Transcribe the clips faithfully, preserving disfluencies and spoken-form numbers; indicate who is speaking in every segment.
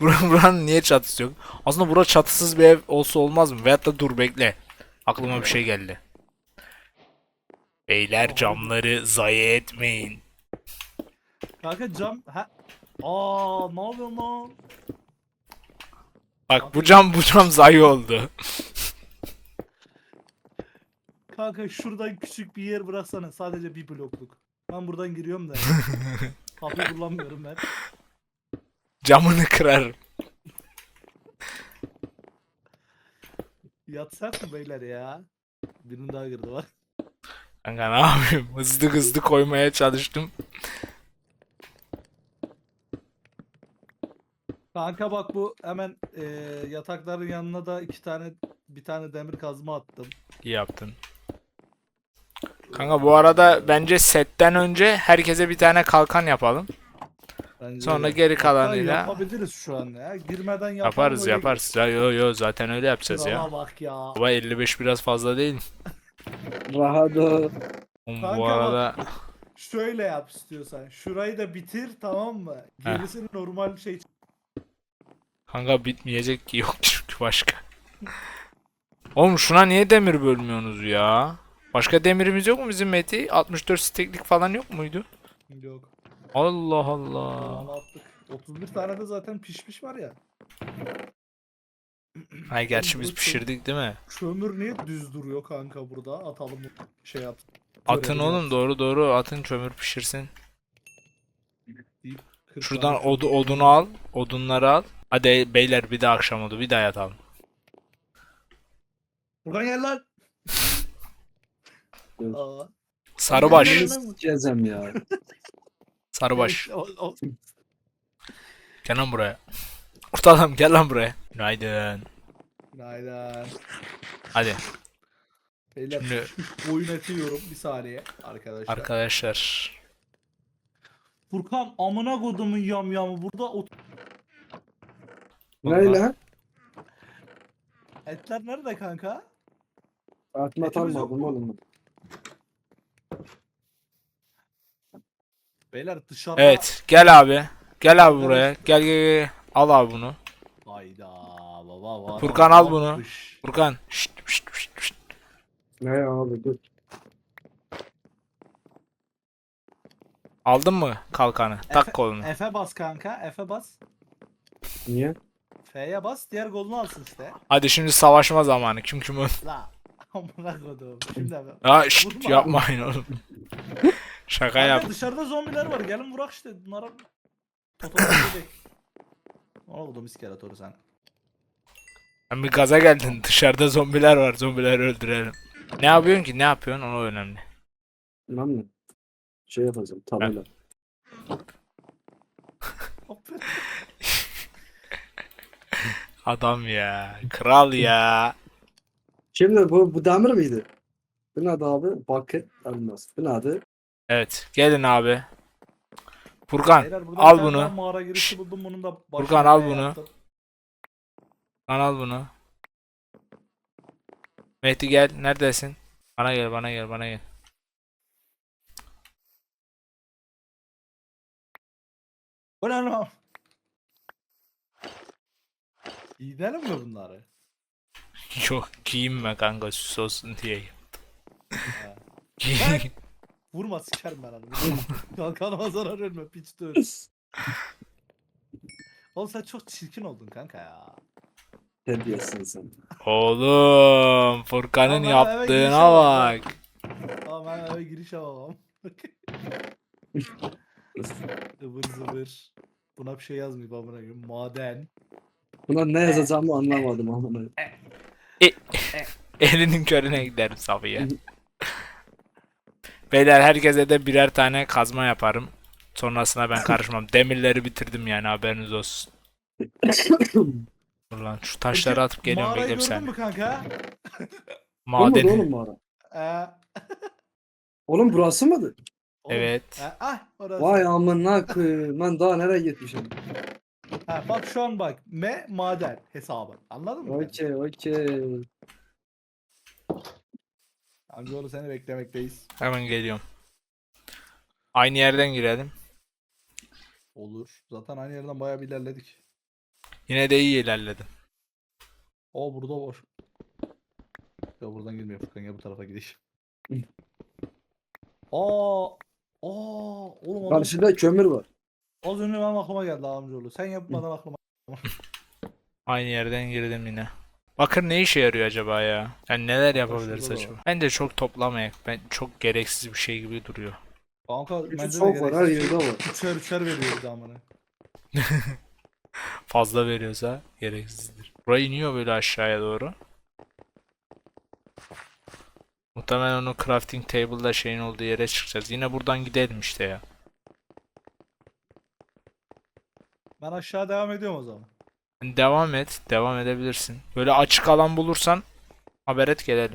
Speaker 1: Buranın, buranın niye çatısı yok? Aslında bura çatısız bir ev olsa olmaz mı? Veyahut da dur bekle. Aklıma bir şey geldi. Beyler
Speaker 2: Aa, harbi.
Speaker 1: camları zayi etmeyin.
Speaker 2: Kanka cam. Ha. Aa, ne yapıyorsun lan?
Speaker 1: Bak bu
Speaker 2: Kanka,
Speaker 1: cam bu cam zayi oldu.
Speaker 2: kanka şuradan küçük bir yer bıraksana. Sadece bir blokluk. Ben buradan giriyorum da ya. Kapıyı kullanmıyorum ben.
Speaker 1: Camını kırarım.
Speaker 2: Yatsak mı beyler ya? Birini daha kırdı bak.
Speaker 1: Kanka ne yapayım? Hızlı hızlı koymaya çalıştım.
Speaker 2: Kanka bak bu hemen e, yatakların yanına da iki tane bir tane demir kazma attım.
Speaker 1: İyi yaptın. Kanka bu arada bence setten önce herkese bir tane kalkan yapalım.
Speaker 2: Bence
Speaker 1: Sonra
Speaker 2: de.
Speaker 1: geri
Speaker 2: Hatta
Speaker 1: kalanıyla
Speaker 2: yapabiliriz şu an ya. Girmeden yapalım
Speaker 1: yaparız
Speaker 2: öyle
Speaker 1: yaparız. Ya, yo yo zaten öyle yapacağız ya.
Speaker 2: Krala bak ya.
Speaker 1: Baba elli beş biraz fazla değil mi?
Speaker 3: Rahat ol.
Speaker 1: Oğlum bu
Speaker 2: Kanka
Speaker 1: arada
Speaker 2: bak şöyle yap istiyorsan. Şurayı da bitir tamam mı?
Speaker 1: Heh.
Speaker 2: Gerisini normal şey.
Speaker 1: kanka bitmeyecek ki yok çünkü başka. Oğlum şuna niye demir bölmüyorsunuz ya? Başka demirimiz yok mu bizim Meti? altmış dört steklik falan yok muydu?
Speaker 2: Yok.
Speaker 1: Allah
Speaker 2: Tamam
Speaker 1: Allah.
Speaker 2: attık. otuz bir tane de zaten pişmiş var ya.
Speaker 1: Ay gerçi
Speaker 2: Oğlum
Speaker 1: biz
Speaker 2: bu
Speaker 1: pişirdik değil mi?
Speaker 2: Kömür niye düz duruyor kanka burada? Atalım şey yap.
Speaker 1: Atın
Speaker 2: Görevini
Speaker 1: oğlum
Speaker 2: yapsın
Speaker 1: doğru doğru atın kömür pişirsin.
Speaker 2: deyip kırk tane
Speaker 1: Şuradan odu,
Speaker 2: kömür
Speaker 1: odunu
Speaker 2: gönder.
Speaker 1: al. Odunları al. Hadi beyler bir de akşam oldu bir daha yatalım.
Speaker 2: Buradan gel lan. Aa.
Speaker 1: Sarıbaş.
Speaker 2: Gel
Speaker 3: Anneni
Speaker 2: lan.
Speaker 3: sikeceğim ya.
Speaker 1: Sarıbaş.
Speaker 2: O- o-
Speaker 1: Gel lan buraya. Kurtalım gel lan buraya. Günaydın.
Speaker 2: Günaydın.
Speaker 1: Hadi
Speaker 2: Beyler
Speaker 1: Şimdi-
Speaker 2: pişmiş boyun eti yiyorum bir saniye arkadaşlar.
Speaker 1: arkadaşlar.
Speaker 2: Furkan amına kodumun yamyamı burada ot
Speaker 3: Ne
Speaker 1: Vallahi-
Speaker 3: lan?
Speaker 2: etler nerede kanka?
Speaker 3: Atma
Speaker 2: Etimiz yok
Speaker 3: tanımadım
Speaker 2: mu?
Speaker 3: oğlum.
Speaker 2: Beyler dışarıda.
Speaker 1: Evet gel abi. Gel abi
Speaker 2: Arkadaş-
Speaker 1: buraya. Gel gel gel. Al abi bunu.
Speaker 2: Hayda baba baba.
Speaker 1: Furkan al bunu. Furkan. Şşt, şşt, şşt, şşt.
Speaker 3: Ne ya abi dur.
Speaker 1: Aldın mı kalkanı? Tak kolunu.
Speaker 2: F'e bas kanka. F'e bas.
Speaker 3: Niye?
Speaker 2: F'ye bas. Diğer golünü alsın işte.
Speaker 1: Hadi şimdi savaşma zamanı. Kim kim öl-
Speaker 2: La. Amına kodum. Şimdi abi.
Speaker 1: Ya şşt,
Speaker 2: Vurma.
Speaker 1: yapmayın oğlum. Şaka
Speaker 2: Kanka
Speaker 1: yap.
Speaker 2: dışarıda zombiler var. Gelin vurak işte. Bunlara. Otomatik. Ne oldu iskeletoru sen?
Speaker 1: Sen bir gaza geldin. Dışarıda zombiler var. Zombileri öldürelim. Ne yapıyorsun ki? Ne yapıyorsun? Onu önemli.
Speaker 3: Lan mı? Şey yapacağım tabela.
Speaker 1: Adam ya. Kral ya.
Speaker 3: Şimdi bu, bu demir miydi? Bu ne adı abi? Bucket elmas. Bu ne adı?
Speaker 1: Evet. Gelin abi. Furkan.
Speaker 2: Beyler, burada
Speaker 1: Al
Speaker 2: bir tane
Speaker 1: bunu.
Speaker 2: daha mağara girişi
Speaker 1: Şşt.
Speaker 2: buldum. Bunun da
Speaker 1: Furkan, al
Speaker 2: başına
Speaker 1: bunu.
Speaker 2: yaptım.
Speaker 1: Lan al bunu. Mehdi gel. Neredesin? Bana gel, bana gel, bana gel.
Speaker 2: Bu ne lan? Gidelim mi bunları?
Speaker 1: Yok giyinme kanka süs olsun diye.
Speaker 2: Ha.
Speaker 1: Giy-
Speaker 2: Vurma sikerim ben onu. Kalkanıma zarar verme piç dur. Oğlum sen çok çirkin oldun kanka ya.
Speaker 3: Terbiyesizsin sen.
Speaker 1: Oğlum Furkan'ın
Speaker 2: Tamam, ben eve giriş
Speaker 1: yaptığına
Speaker 2: yapamam.
Speaker 1: bak.
Speaker 2: Tamam ben eve giriş yapamam. Ivır zıvır. Buna bir şey yazmayayım amına koyayım. Maden.
Speaker 3: Buna ne yazacağımı anlamadım amına.
Speaker 1: Elinin körüne giderim Safiye. Beyler herkese de birer tane kazma yaparım. Sonrasına ben karışmam. Demirleri bitirdim yani haberiniz olsun. Dur lan şu taşları
Speaker 2: Peki,
Speaker 1: atıp geliyorum
Speaker 2: mağarayı
Speaker 1: bekle bir
Speaker 2: gördün
Speaker 1: saniye.
Speaker 2: mü kanka?
Speaker 3: Bu muydu
Speaker 1: Madeni.
Speaker 3: oğlum mağara?
Speaker 2: Ee,
Speaker 3: Oğlum burası mıydı?
Speaker 2: oğlum,
Speaker 1: Evet.
Speaker 2: e, ah orası.
Speaker 3: Vay amına koyayım. Ben daha nereye gitmişim?
Speaker 2: Ha, bak şu an bak. Me maden hesabı. Anladın mı?
Speaker 3: Okey okey.
Speaker 2: Amcaoğlu seni beklemekteyiz.
Speaker 1: Hemen geliyorum. Aynı yerden girelim.
Speaker 2: Olur. Zaten aynı yerden bayağı bir ilerledik.
Speaker 1: Yine de iyi ilerledin.
Speaker 2: O burada boş. Ya buradan girmiyor Furkan, ya bu tarafa gidiş. Aa, aa, oğlum adam
Speaker 3: Karşıda kömür var.
Speaker 2: az önce benim aklıma geldi amcaoğlu. Sen yapmadan aklıma.
Speaker 1: Aynı yerden girdim yine. Bakır ne işe yarıyor acaba ya? Yani neler yapabiliriz
Speaker 2: şurada da
Speaker 1: acaba?
Speaker 2: var.
Speaker 1: Bence çok toplamayak. Ben çok gereksiz bir şey gibi duruyor.
Speaker 2: Kanka
Speaker 3: Üçü
Speaker 2: bence de
Speaker 3: soğuk var, her
Speaker 2: gereksiz.
Speaker 3: yerde var.
Speaker 2: Üçer üçer veriyor bir de amına.
Speaker 1: Fazla veriyorsa gereksizdir. Buraya iniyor böyle aşağıya doğru. Muhtemelen onu crafting table'da şeyin olduğu yere çıkacağız. Yine buradan gidelim işte ya.
Speaker 2: Ben aşağı devam ediyorum o zaman.
Speaker 1: Devam et. Devam edebilirsin. Böyle açık alan bulursan haber et gelelim.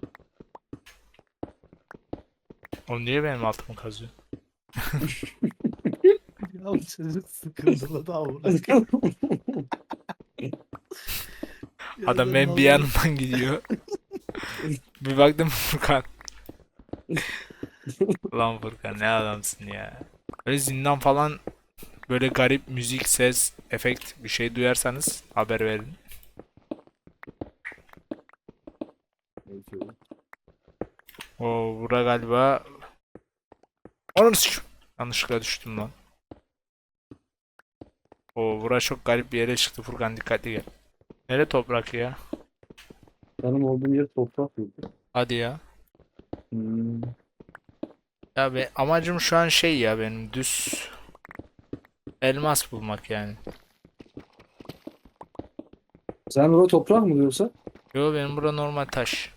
Speaker 1: Oğlum niye benim altımı kazıyor?
Speaker 2: Ya bu çocuk sıkıntılı da amına.
Speaker 1: Adam benim bir yanımdan gidiyor. Bir baktım Furkan. Ulan Furkan ne adamsın ya. Böyle zindan falan böyle garip müzik, ses, efekt bir şey duyarsanız haber verin. O bura galiba. Onun yanlışlıkla düştüm lan. O bura çok garip bir yere çıktı Furkan, dikkatli gel. Nere toprak ya?
Speaker 3: Benim olduğum yer toprak yok.
Speaker 1: Hadi ya.
Speaker 3: Hmm.
Speaker 1: Ya be, amacım şu an şey ya benim düz elmas bulmak yani.
Speaker 3: Sen orada toprak mı diyorsa?
Speaker 1: Yo benim bura normal taş.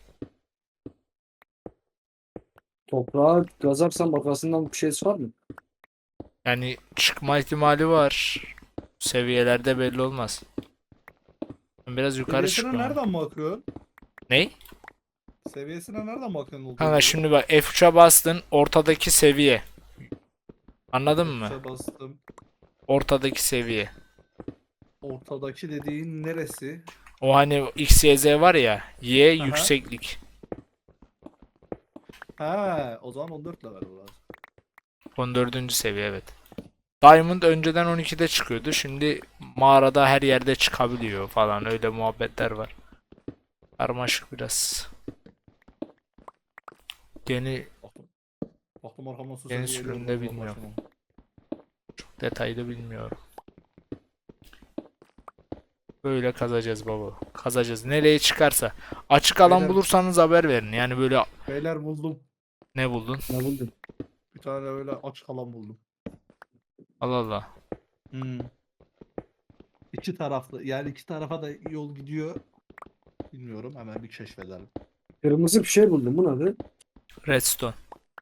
Speaker 3: Toprağa kazarsan bakasından bir şey var mı?
Speaker 1: Yani çıkma ihtimali var. Seviyelerde belli olmaz. Ben biraz yukarı
Speaker 2: Seviyesine
Speaker 1: çıkıyorum.
Speaker 2: nereden bakıyorsun?
Speaker 1: Ney?
Speaker 2: Seviyesine nereden bakıyorsun? olduğu
Speaker 1: Kanka
Speaker 2: gibi?
Speaker 1: şimdi bak F üç'e bastın ortadaki seviye. Anladın mı?
Speaker 2: Tuşa bastım.
Speaker 1: Ortadaki seviye.
Speaker 2: Ortadaki dediğin neresi?
Speaker 1: O hani X, Y, Z var ya. Y
Speaker 2: Aha.
Speaker 1: yükseklik.
Speaker 2: Ha, o zaman on dört level lazım.
Speaker 1: on dördüncü seviye evet. Diamond önceden on ikide çıkıyordu. Şimdi mağarada her yerde çıkabiliyor falan. Öyle muhabbetler var. Karmaşık biraz. Yeni
Speaker 2: Baktım. Baktım arkamdan su
Speaker 1: Yeni
Speaker 2: sesi geliyor,
Speaker 1: sürümde
Speaker 2: bozma
Speaker 1: bilmiyorum.
Speaker 2: başlamam.
Speaker 1: detaylı bilmiyorum. Böyle kazacağız baba. Kazacağız. Nereye çıkarsa. Açık alan
Speaker 2: Beyler-
Speaker 1: bulursanız haber verin. Yani böyle
Speaker 2: Beyler buldum.
Speaker 1: ne buldun?
Speaker 3: Ne buldun?
Speaker 2: Bir tane öyle açık alan buldum.
Speaker 1: Allah Allah.
Speaker 2: Hmm. İki taraflı, yani iki tarafa da yol gidiyor. Bilmiyorum, hemen bir keşfedelim.
Speaker 3: Kırmızı bir şey buldum. Bu nedir?
Speaker 1: Redstone.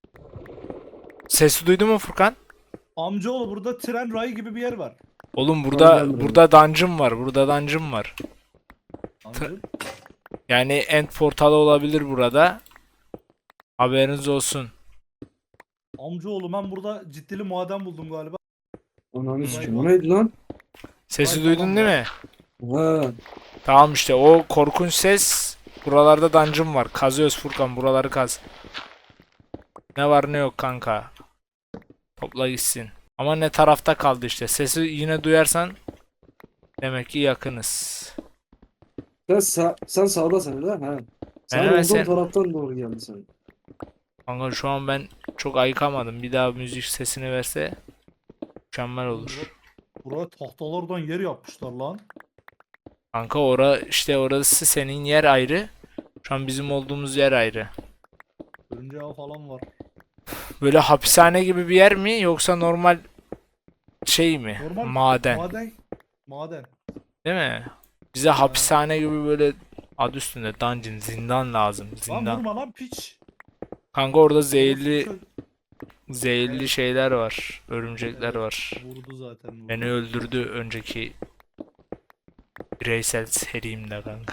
Speaker 1: Sesi duydun mu Furkan?
Speaker 2: Amcaoğlu, burada tren rayı gibi bir yer var.
Speaker 1: Oğlum burada
Speaker 3: gelmiyorum.
Speaker 1: burada dungeon var. Burada dungeon var.
Speaker 2: Amcım.
Speaker 1: Yani end portalı olabilir burada. Haberiniz olsun.
Speaker 2: Amcaoğlu, ben burada ciddili maden buldum galiba.
Speaker 3: Ananı
Speaker 1: Hmm.
Speaker 3: sikeyim. O neydi lan?
Speaker 1: Sesi
Speaker 2: Vay
Speaker 1: duydun
Speaker 2: tamam
Speaker 1: değil
Speaker 2: ya.
Speaker 1: mi?
Speaker 3: Ha.
Speaker 1: Tamam işte o korkunç ses. Buralarda dungeon var. Kazıyoruz Furkan, buraları kaz. Ne var ne yok kanka. Topla gitsin. Ama ne tarafta kaldı işte. Sesi yine duyarsan demek ki yakınız.
Speaker 3: Sen, sağ, sen sağdasın öyle ha? Sen
Speaker 1: hemen
Speaker 3: olduğun
Speaker 1: sen-
Speaker 3: taraftan doğru geldin sen.
Speaker 1: Kanka şu an ben çok ayıkamadım. Bir daha müzik sesini verse mükemmel olur.
Speaker 2: Buraya tahtalardan yer yapmışlar lan.
Speaker 1: Kanka ora işte orası senin yer ayrı. Şu an bizim olduğumuz yer ayrı.
Speaker 2: Örümcek ağı falan var.
Speaker 1: Böyle hapishane gibi bir yer mi yoksa normal şey mi?
Speaker 2: Normal
Speaker 1: Maden.
Speaker 2: Maden. Maden.
Speaker 1: Değil mi? Bize hapishane gibi böyle adı üstünde dungeon, zindan lazım.
Speaker 2: Lan
Speaker 1: Zindan.
Speaker 2: vurma lan piç.
Speaker 1: Kanka orada zehirli
Speaker 2: Orası
Speaker 1: zehirli
Speaker 2: Evet.
Speaker 1: şeyler var. Örümcekler
Speaker 2: Evet.
Speaker 1: var.
Speaker 2: çö- Vurdu zaten. Vurdu.
Speaker 1: Beni öldürdü önceki bireysel serimde kanka.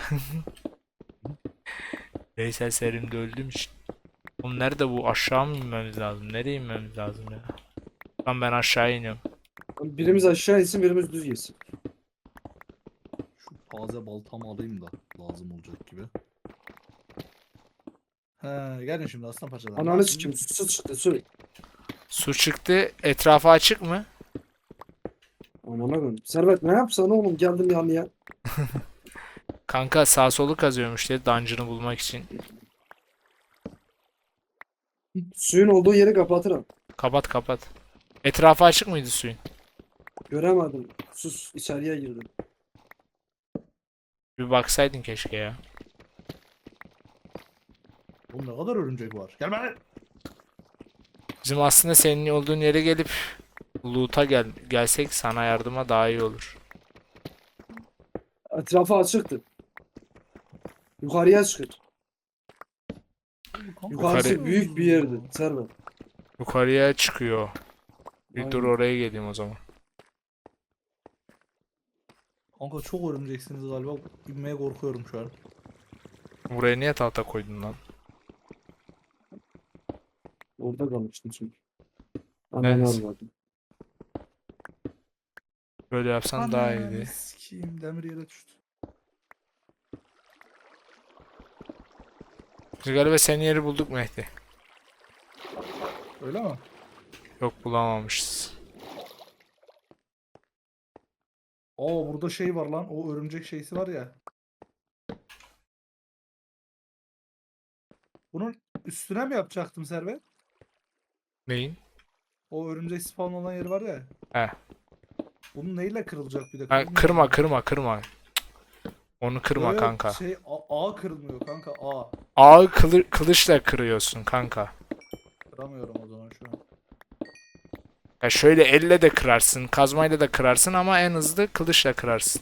Speaker 1: Bireysel serimde öldüğüm için. Oğlum nerede bu? Aşağı mı inmemiz lazım? Nereye inmemiz lazım ya? Lan ben aşağı iniyorum.
Speaker 3: Birimiz aşağı insin, birimiz düz yesin.
Speaker 2: Şu taze baltamı alayım da lazım olacak gibi. He, gelin şimdi aslan parçalar.
Speaker 3: Ananı sikeyim. Su çıktı su.
Speaker 1: Su çıktı. Etrafı açık mı?
Speaker 3: Ananı Ona göre. Servet ne yapsan oğlum geldim yanıya.
Speaker 1: Kanka sağ solu kazıyormuş diye dungeon'ı bulmak için.
Speaker 3: Suyun olduğu yeri kapatırım.
Speaker 1: Kapat kapat. Etrafı açık mıydı suyun?
Speaker 3: Göremedim. Sus içeriye girdim.
Speaker 1: Bir baksaydın keşke ya.
Speaker 2: Oğlum ne kadar örümcek var. Gel ben.
Speaker 1: Bizim aslında senin olduğun yere gelip loot'a gel gelsek sana yardıma daha iyi olur.
Speaker 3: Etrafı açıktı. Yukarıya çıkır. Yukarısı büyük bir yerdi. Servet.
Speaker 1: Yukarıya çıkıyor. Bir dur
Speaker 3: Aynen.
Speaker 1: oraya geleyim o zaman.
Speaker 2: Kanka çok örümceksiniz galiba. Binmeye korkuyorum şu an.
Speaker 1: Buraya niye tahta koydun lan?
Speaker 3: Orada kalmıştım çünkü. Anneni
Speaker 1: Evet.
Speaker 3: arıyordum.
Speaker 1: Böyle yapsan daha iyiydi.
Speaker 2: Sikiyim demir yere düştü.
Speaker 1: Biz galiba senin yeri bulduk Mehdi.
Speaker 2: Öyle mi?
Speaker 1: Yok bulamamışız.
Speaker 2: Aa burada şey var lan. O örümcek şeysi var ya. Bunun üstüne mi yapacaktım Servet?
Speaker 1: Neyin?
Speaker 2: O örümcek spawn olan yeri var ya.
Speaker 1: He.
Speaker 2: Bunun neyle kırılacak bir de?
Speaker 1: Ha,
Speaker 2: Kırılmıyor
Speaker 1: kırma
Speaker 2: mu?
Speaker 1: kırma kırma. Onu kırma
Speaker 2: Yok, yok,
Speaker 1: kanka.
Speaker 2: Şey a, A kırılmıyor kanka A.
Speaker 1: Ağı kılı- kılıçla kırıyorsun kanka.
Speaker 2: Kıramıyorum o zaman şu an.
Speaker 1: Ya şöyle elle de kırarsın, kazmayla da kırarsın ama en hızlı kılıçla kırarsın.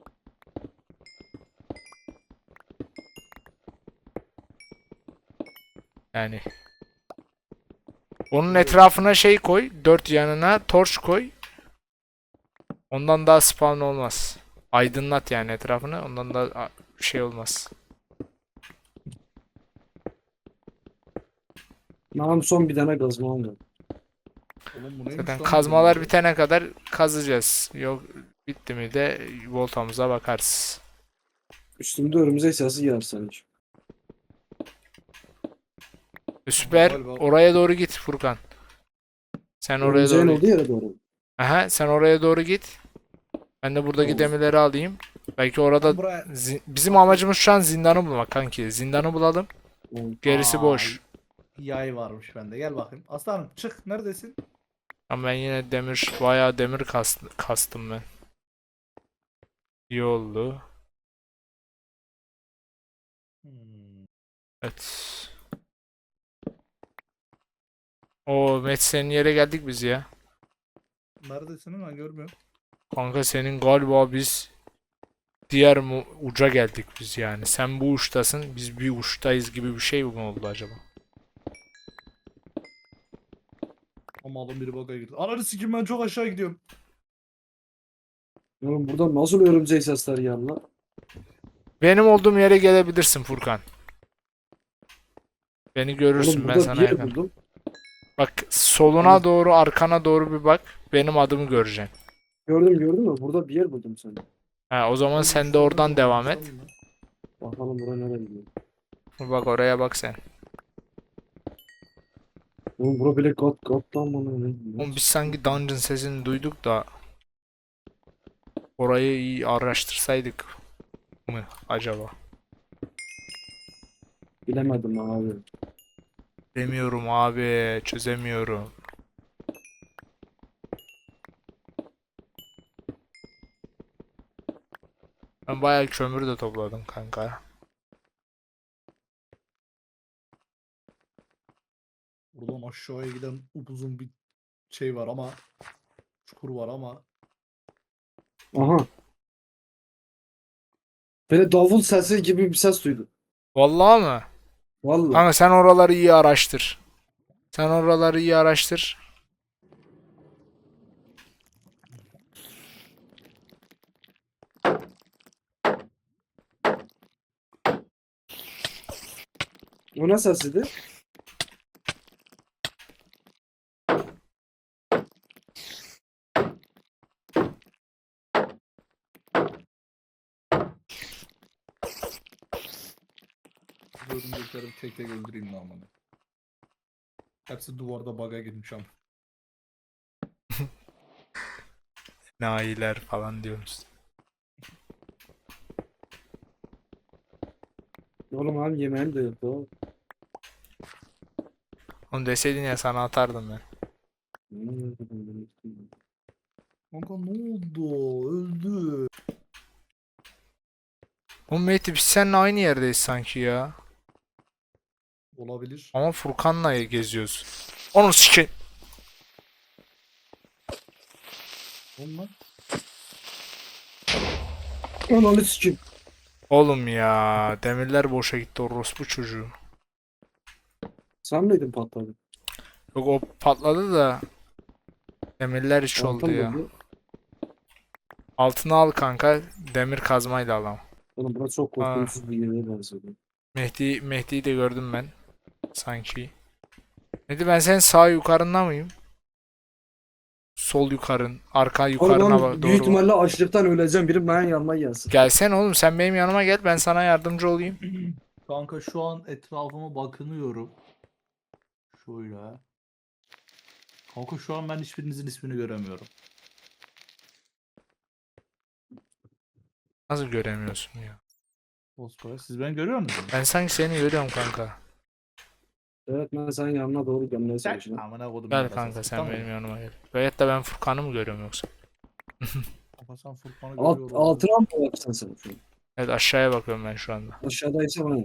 Speaker 1: Yani. Onun etrafına şey koy, dört yanına torç koy. Ondan daha spawn olmaz. Aydınlat yani etrafını, ondan da a- şey olmaz.
Speaker 3: Benim son bir tane kazmam var.
Speaker 2: Oğlum bu neymiş
Speaker 1: Zaten
Speaker 2: lan
Speaker 1: kazmalar
Speaker 2: böyle?
Speaker 1: bitene kadar kazacağız. Yok bitti mi de voltamıza bakarız.
Speaker 3: Üstümde örümcek sesi yer sanki.
Speaker 1: Süper.
Speaker 2: Galiba-
Speaker 1: Oraya doğru git Furkan. Sen oraya
Speaker 3: Örümceğin
Speaker 1: doğru
Speaker 3: olduğu
Speaker 1: git.
Speaker 3: yere doğru.
Speaker 1: Aha, sen oraya doğru git. Ben de buradaki
Speaker 3: Tamam.
Speaker 1: demirleri alayım. Belki orada
Speaker 2: Ben buraya...
Speaker 1: zi- bizim amacımız şu an zindanı bulmak kanki. Zindanı bulalım.
Speaker 3: Tamam.
Speaker 1: Gerisi
Speaker 2: Aa,
Speaker 1: boş.
Speaker 2: Yay varmış bende. Gel bakayım. Aslanım çık. Neredesin?
Speaker 1: Ama ben yine demir, bayağı demir kast- kastım ben. İyi oldu.
Speaker 2: Hmm.
Speaker 1: Evet. O Met senin yere geldik biz ya.
Speaker 2: Neredesin ben görmüyorum.
Speaker 1: Kanka senin galiba biz diğer mu- uca geldik biz yani. Sen bu uçtasın, biz bir uçtayız gibi bir şey mi oldu acaba?
Speaker 2: Ama alın biri baka girdi. Ananı sikim ben çok aşağı gidiyorum.
Speaker 3: Oğlum burada nasıl örümcek sesleri yer lan?
Speaker 1: Benim olduğum yere gelebilirsin Furkan. Beni görürsün,
Speaker 3: Oğlum
Speaker 1: ben
Speaker 3: burada
Speaker 1: sana
Speaker 3: bir yer
Speaker 1: yakın.
Speaker 3: buldum.
Speaker 1: Bak soluna
Speaker 3: Hani-
Speaker 1: doğru, arkana doğru bir bak. Benim adımı göreceksin.
Speaker 3: Gördüm gördün mü? Burada bir yer buldum seni.
Speaker 1: Ha, o zaman
Speaker 2: Oğlum,
Speaker 1: sen de
Speaker 2: şuradan
Speaker 1: oradan
Speaker 2: çok
Speaker 1: devam et.
Speaker 2: uğraşalım ya.
Speaker 3: Bakalım buraya nereye gidiyor.
Speaker 1: Bak oraya bak sen.
Speaker 3: Oğlum bura bile kat kattan bana ne?
Speaker 1: Oğlum biz sanki dungeon sesini duyduk da orayı iyi araştırsaydık mı acaba?
Speaker 3: Bilemedim abi.
Speaker 1: Demiyorum abi, çözemiyorum. Ben bayağı kömür de topladım kanka.
Speaker 2: Buradan aşağıya giden upuzun bir şey var ama çukur var ama
Speaker 3: Aha. Böyle davul sesi gibi bir ses duydum.
Speaker 1: Vallahi mı?
Speaker 3: Vallahi.
Speaker 1: Kanka sen oraları iyi araştır. Sen oraları iyi araştır.
Speaker 3: O ne sesiydi?
Speaker 2: bu örümcekleri bir tek tek öldüreyim namını. Hepsi duvarda baga girmiş ama.
Speaker 1: Nayiler falan diyoruz.
Speaker 3: Oğlum abi yemeğim de yok. o.
Speaker 1: Onu deseydin ya sana atardım ben.
Speaker 3: Hmm.
Speaker 2: Kanka ne oldu? Öldü.
Speaker 1: Oğlum Mehdi biz seninle aynı yerdeyiz sanki ya.
Speaker 2: Olabilir.
Speaker 1: Ama Furkan'la geziyoruz. Onu sikeyim.
Speaker 2: Onlar.
Speaker 3: Ananı sikim.
Speaker 1: Oğlum ya demirler boşa gitti orospu çocuğu.
Speaker 3: Sen miydin patladı?
Speaker 1: Yok o patladı da demirler hiç oldu
Speaker 3: Altın
Speaker 1: ya.
Speaker 3: buldu.
Speaker 1: Altını al kanka, demir kazmayla al ama.
Speaker 3: Oğlum burası çok
Speaker 1: Ha,
Speaker 3: korkunçsuz bir yere benziyor.
Speaker 1: Mehdi Mehdi'yi de gördüm ben sanki. Mehdi ben senin sağ yukarında mıyım? Sol yukarın, arka
Speaker 3: Oğlum
Speaker 1: yukarına
Speaker 3: ben
Speaker 1: ba-
Speaker 3: büyük
Speaker 1: doğru bak.
Speaker 3: ihtimalle açlıktan öleceğim. Biri bana yanıma gelsin.
Speaker 1: Gelsene oğlum sen benim yanıma gel, ben sana yardımcı olayım.
Speaker 2: Kanka şu an etrafıma bakınıyorum. Şöyle. Kanka şu an ben hiçbirinizin ismini göremiyorum.
Speaker 1: Nasıl göremiyorsun ya?
Speaker 2: Bozkır. Siz beni görüyor musunuz?
Speaker 1: Ben sanki seni görüyorum kanka.
Speaker 3: Evet ben senin yanına doğru gelmeye
Speaker 2: Sen
Speaker 3: çalışıyorum.
Speaker 2: amına kodum
Speaker 1: Gel
Speaker 2: yarasası.
Speaker 1: kanka sen
Speaker 2: Tamam.
Speaker 1: benim yanıma gel. Veyahut da ben Furkan'ı mı görüyorum yoksa?
Speaker 2: Kanka sen Furkan'ı
Speaker 3: Alt,
Speaker 2: görüyor olabilir.
Speaker 3: altına mı baksın sen şu an?
Speaker 1: Evet aşağıya bakıyorum ben şu anda.
Speaker 3: Aşağıdaysa bana.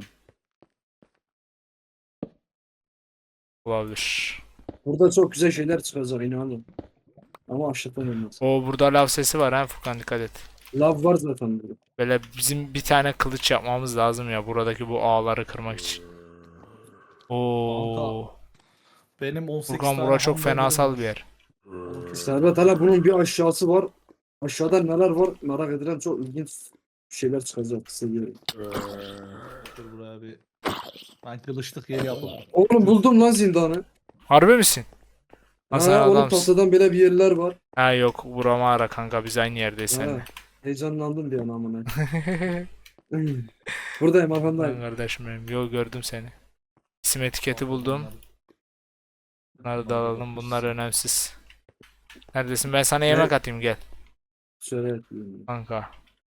Speaker 1: Olabilir.
Speaker 3: Burada çok güzel şeyler çıkacak inanın. Ama açlıktan olmaz.
Speaker 1: O burada lav sesi var ha Furkan, dikkat et.
Speaker 3: Lav var zaten burada.
Speaker 1: Böyle bizim bir tane kılıç yapmamız lazım ya buradaki bu ağları kırmak için. Oo.
Speaker 2: Benim on sekiz
Speaker 1: Furkan
Speaker 2: tane
Speaker 1: bura çok
Speaker 2: ham demirim
Speaker 1: fenasal
Speaker 2: var.
Speaker 1: bir yer.
Speaker 2: Oğlum kesin-
Speaker 3: Servet hala bunun bir aşağısı var. Aşağıda neler var merak edilen çok ilginç şeyler çıkacak seviyorum.
Speaker 2: Dur buraya bir. Ben kılıçlık yeri yapıp.
Speaker 3: Oğlum buldum lan zindanı.
Speaker 1: Harbi misin? Lan sen
Speaker 3: Ha, oğlum
Speaker 1: adamsın.
Speaker 3: tahtadan böyle bir yerler var.
Speaker 1: Ha yok burama ara kanka, biz aynı yerdeyiz seninle.
Speaker 3: Ha, heyecanlandım bir an amına. Buradayım
Speaker 1: Lan
Speaker 3: arkandayım.
Speaker 1: kardeşim benim. Yo gördüm seni. İsim etiketi buldum. Bunları da alalım. Bunlar önemsiz. Neredesin? Ben sana yemek atayım gel.
Speaker 3: Şöyle
Speaker 1: Kanka.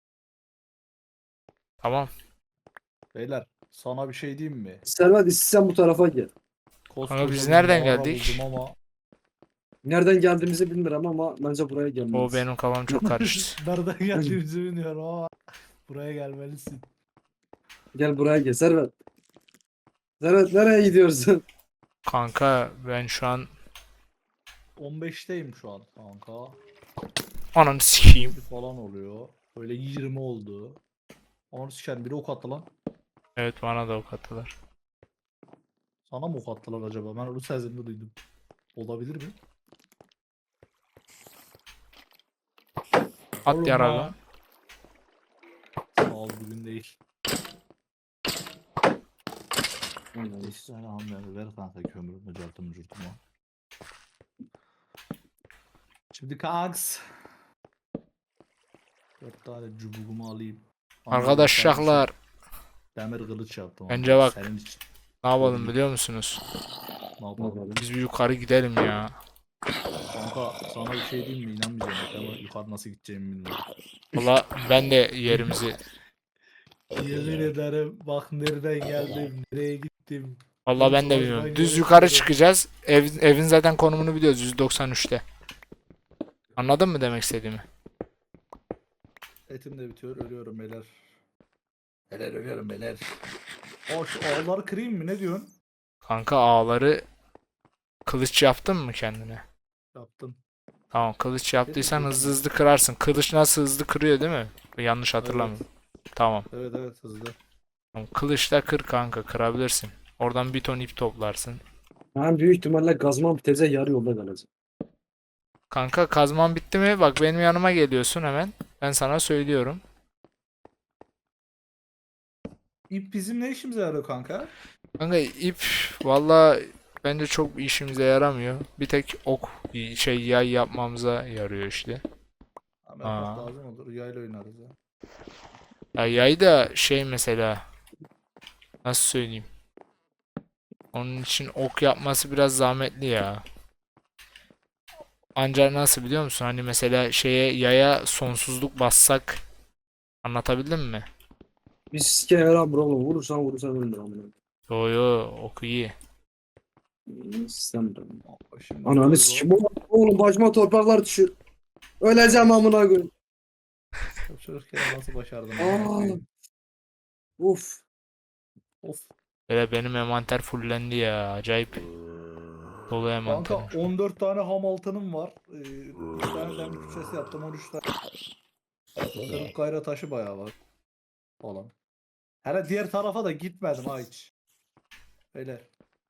Speaker 1: Tamam.
Speaker 2: Beyler sana bir şey diyeyim mi?
Speaker 3: Servet istersen bu tarafa gel.
Speaker 2: Koskoca
Speaker 1: biz
Speaker 2: bir
Speaker 1: nereden
Speaker 2: mağara
Speaker 1: geldik?
Speaker 2: buldum ama
Speaker 3: Nereden geldiğimizi bilmiyorum ama bence buraya
Speaker 1: O
Speaker 3: gelmeliyiz.
Speaker 1: benim kafam çok karıştı.
Speaker 2: nereden geldiğimizi bilmiyorum ama buraya gelmelisin.
Speaker 3: Gel buraya gel Servet. Servet nereye gidiyorsun?
Speaker 1: Kanka ben şu an
Speaker 2: on beşteyim şu an kanka.
Speaker 1: ananı sikeyim.
Speaker 2: Bir falan oluyor. Böyle yirmi oldu. Onu siken biri ok attı lan.
Speaker 1: Evet bana da ok attılar.
Speaker 2: Sana mı ok attılar acaba? Ben onu sezimde duydum. Olabilir mi?
Speaker 1: At
Speaker 2: Oğlum
Speaker 1: yaralı.
Speaker 2: ha. Sağ ol bugün değil. İşte hamle ver kanka kömürümü cartımı curtumu. Şimdi kanks. Dört tane cubuğumu alayım.
Speaker 1: Arkadaşlar
Speaker 2: Demir kılıç yaptım.
Speaker 1: Bence
Speaker 2: abi,
Speaker 1: bak.
Speaker 2: Senin için.
Speaker 1: ne yapalım biliyor musunuz?
Speaker 2: Ne yapalım?
Speaker 1: Biz bir yukarı gidelim ya.
Speaker 2: Kanka sana bir şey diyeyim mi? İnanmayacaksın ama yukarı nasıl gideceğimi bilmiyorum.
Speaker 1: Valla ben de yerimizi
Speaker 2: Yemin ederim bak nereden geldim, nereye gittim.
Speaker 1: Valla ben de bilmiyorum. Düz yukarı çıkacağız. Ev, evin zaten konumunu biliyoruz. yüz doksan üçte. Anladın mı demek istediğimi?
Speaker 2: Etim de bitiyor, ölüyorum beyler. Beyler ölüyorum beyler. O şu ağları kırayım mı? Ne diyorsun?
Speaker 1: Kanka ağları kılıç yaptın mı kendine?
Speaker 2: Yaptım.
Speaker 1: Tamam kılıç yaptıysan hızlı hızlı kırarsın. Kılıç nasıl hızlı kırıyor değil mi? Yanlış hatırlamıyorum. Tamam.
Speaker 2: Evet evet hızlı.
Speaker 1: Tamam. Kılıçla kır kanka, kırabilirsin. Oradan bir ton ip toplarsın.
Speaker 3: Ben büyük ihtimalle gazmam bitecek yarı yolda kalacak.
Speaker 1: Kanka kazman bitti mi? Bak benim yanıma geliyorsun hemen. Ben sana söylüyorum.
Speaker 2: İp bizim ne işimize yarıyor kanka?
Speaker 1: Kanka ip valla bence çok bir işimize yaramıyor. Bir tek ok şey yay yapmamıza yarıyor işte.
Speaker 2: Ama
Speaker 1: Aa.
Speaker 2: yapmak lazım olur. Yayla oynarız ya.
Speaker 1: Ya yay da şey mesela nasıl söyleyeyim? Onun için ok yapması biraz zahmetli ya. Ancak nasıl biliyor musun? Hani mesela şeye yaya sonsuzluk bassak anlatabildim mi?
Speaker 3: Bir sike yarar bro. Vurursan vurursan öldür amına.
Speaker 1: Yo yo oku iyi.
Speaker 3: Sistem de.
Speaker 2: Şimdi
Speaker 3: Ananı
Speaker 2: turbo.
Speaker 3: sikim. Oğlum başıma topraklar düşür. Öleceğim amına koyayım.
Speaker 2: Çocukken nasıl başardın?
Speaker 3: Aa.
Speaker 2: amına koyayım?
Speaker 3: Uf.
Speaker 2: Of.
Speaker 1: Böyle benim envanter fullendi ya. Acayip dolu
Speaker 2: Kanka
Speaker 1: envanterim şu an.
Speaker 2: on dört tane ham altınım var. Ee, bir tane demir küçesi yaptım. on üç tane kırık gayra taşı bayağı var. Falan. Hele diğer tarafa da gitmedim ha hiç. Öyle.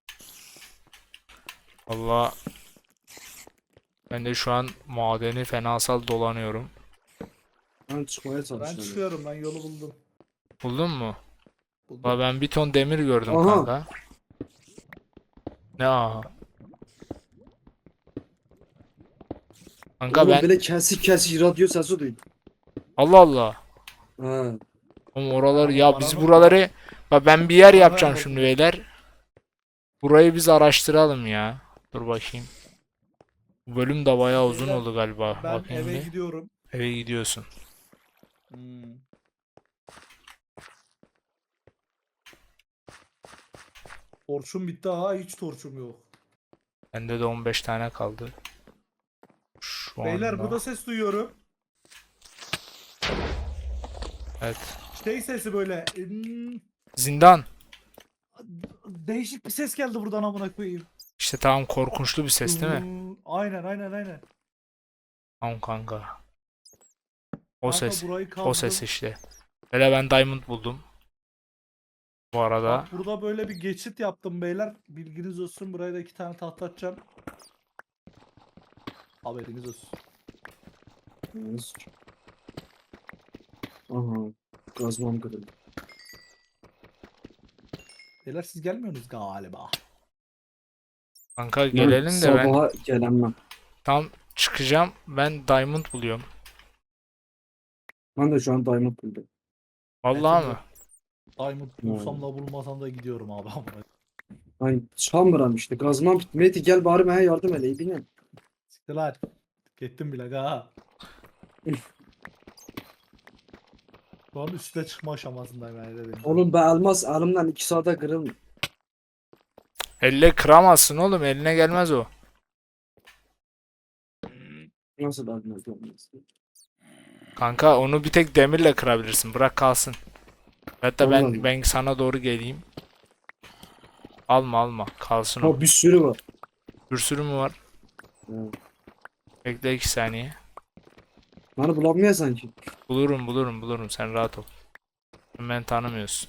Speaker 1: Valla ben de şu an madeni fenasal dolanıyorum.
Speaker 3: Ben çıkmaya
Speaker 2: Ben
Speaker 3: çalışıyorum.
Speaker 2: çıkıyorum, ben yolu buldum.
Speaker 1: Buldun mu?
Speaker 2: Buldum.
Speaker 1: Valla ben bir ton demir gördüm
Speaker 3: Aha.
Speaker 1: kanka. Ne aha? Kanka
Speaker 3: Oğlum
Speaker 1: ben
Speaker 3: böyle kesik kesik radyo sesi duydum.
Speaker 1: Allah Allah.
Speaker 3: Ha.
Speaker 1: Oğlum oraları
Speaker 2: Ama
Speaker 1: ya
Speaker 2: bana
Speaker 1: biz
Speaker 2: da-
Speaker 1: buraları bak ben bir yer
Speaker 2: Bana
Speaker 1: yapacağım
Speaker 2: ver
Speaker 1: şimdi
Speaker 2: bakayım.
Speaker 1: beyler. Burayı biz araştıralım ya. Dur bakayım. Bu bölüm de bayağı uzun
Speaker 2: Beyler,
Speaker 1: oldu galiba.
Speaker 2: Ben
Speaker 1: Bakayım
Speaker 2: eve
Speaker 1: bir.
Speaker 2: gidiyorum.
Speaker 1: Eve gidiyorsun.
Speaker 2: Hmm. Torçum bitti ha, hiç torçum yok.
Speaker 1: Bende de on beş tane kaldı. Şu
Speaker 2: Beyler
Speaker 1: anda.
Speaker 2: burada ses duyuyorum.
Speaker 1: Evet.
Speaker 2: Şey sesi böyle. hmm,
Speaker 1: Zindan.
Speaker 2: değişik bir ses geldi buradan amına koyayım.
Speaker 1: İşte tamam korkunçlu bir ses değil mi?
Speaker 2: Hmm, Aynen aynen aynen.
Speaker 1: Tamam kanka. O
Speaker 2: Kanka
Speaker 1: ses.
Speaker 2: burayı
Speaker 1: O
Speaker 2: kazdım.
Speaker 1: ses işte. Hele ben diamond buldum. Bu arada.
Speaker 2: Bak burada böyle bir geçit yaptım beyler. Bilginiz olsun, buraya da iki tane tahta atacağım. Haberiniz olsun.
Speaker 3: Neyse. Aha. Gazmam kırıldı.
Speaker 2: Beyler siz gelmiyorsunuz galiba.
Speaker 1: Kanka
Speaker 3: Ben
Speaker 1: gelelim de ben
Speaker 3: sabaha gelemem.
Speaker 1: tam çıkacağım. Ben diamond buluyorum.
Speaker 3: Ben de şu an diamond buldum.
Speaker 1: Vallahi
Speaker 2: Metin
Speaker 1: mı?
Speaker 2: Diamond bulsam da bulmasam da gidiyorum abi.
Speaker 3: Ben çamıram işte. Gazmam bitmedi. Gel bari bana yardım edeyim. Bilmiyorum.
Speaker 2: Siktir lan. Gittim bile ha. Şu an üste çıkma aşamasındayım yani dedim.
Speaker 3: Oğlum be elmas elimden iki saate kırılmıyor.
Speaker 1: Elle kıramazsın oğlum. Eline gelmez o.
Speaker 3: Nasıl elmas olmaz?
Speaker 1: Kanka onu bir tek demirle kırabilirsin. Bırak kalsın. Hatta ben
Speaker 3: Vallahi.
Speaker 1: ben sana doğru geleyim. Alma alma. Kalsın o.
Speaker 3: Ha bir sürü var.
Speaker 1: Bir sürü mü var?
Speaker 3: Ha.
Speaker 1: Bekle iki saniye.
Speaker 3: Beni bulamıyor sanki.
Speaker 1: Bulurum bulurum bulurum. Sen rahat ol. Ben tanımıyorsun.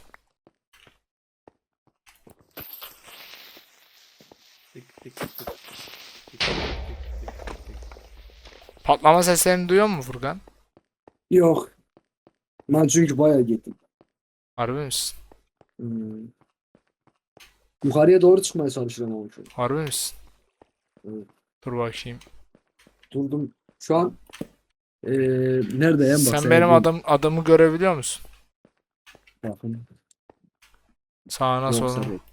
Speaker 2: Tik tik tik. Tik, tik, tik, tik, tik.
Speaker 1: Patlama seslerini duyuyor musun Furkan?
Speaker 3: Yok. Ben çünkü bayağı gittim.
Speaker 1: Harbi misin?
Speaker 3: Hmm. Yukarıya doğru çıkmaya çalışıyorum ama şu an.
Speaker 1: Harbi misin?
Speaker 3: Evet.
Speaker 1: Dur bakayım.
Speaker 3: Durdum. Şu an eee neredeyim bak.
Speaker 1: Sen benim
Speaker 3: bir-
Speaker 1: adam adamı görebiliyor musun?
Speaker 3: Bakın.
Speaker 1: Sağına
Speaker 3: Yok,
Speaker 1: soluna.
Speaker 3: sarı.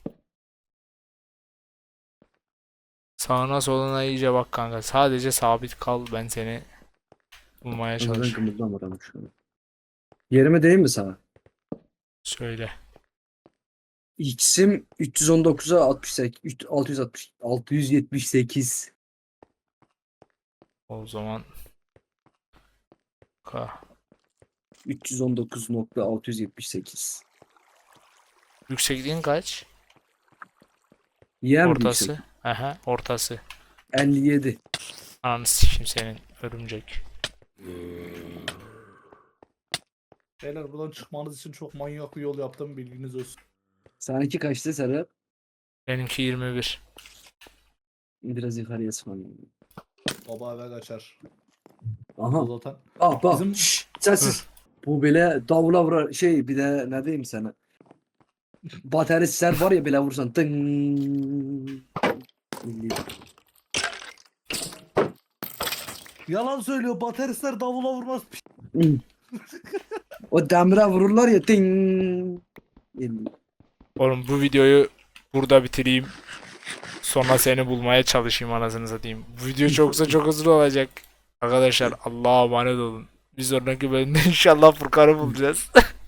Speaker 1: Sağına soluna iyice bak kanka. Sadece sabit kal. Ben seni bulmaya
Speaker 3: Ben
Speaker 1: çalışıyorum.
Speaker 3: kımıldamadım şu an. Yerime değil mi sana?
Speaker 1: Söyle.
Speaker 3: X'im üç yüz on dokuza altmış sekiz, üç- altı yüz altmış, altı yüz yetmiş sekiz.
Speaker 1: O zaman Ka.
Speaker 3: üç yüz on dokuz nokta altı yüz yetmiş sekiz.
Speaker 1: Yüksekliğin kaç?
Speaker 3: Yer mi
Speaker 1: Ortası.
Speaker 3: yüksek?
Speaker 1: Aha, ortası.
Speaker 3: elli yedi.
Speaker 1: Ananı sikeyim senin örümcek.
Speaker 2: Beyler buradan çıkmanız için çok manyak bir yol yaptım, bilginiz olsun.
Speaker 3: Seninki kaçtı Serap?
Speaker 1: Benimki yirmi bir.
Speaker 3: Biraz yukarıya çıkalım.
Speaker 2: Baba eve kaçar.
Speaker 3: Aha.
Speaker 2: O zaten.
Speaker 3: Ah bak.
Speaker 2: Bizim-
Speaker 3: Şşş, sessiz. Bu böyle davula vurar şey bir de ne diyeyim sana. Baterisi ser var ya böyle vursan tın.
Speaker 2: Yalan söylüyor, bateristler davula vurmaz.
Speaker 3: O demire vururlar ya ting.
Speaker 1: Oğlum bu videoyu burada bitireyim. Sonra seni bulmaya çalışayım anasını satayım. Bu video çoksa çok uzun olacak. Arkadaşlar Allah'a emanet olun. Bir sonraki bölümde inşallah Furkan'ı bulacağız.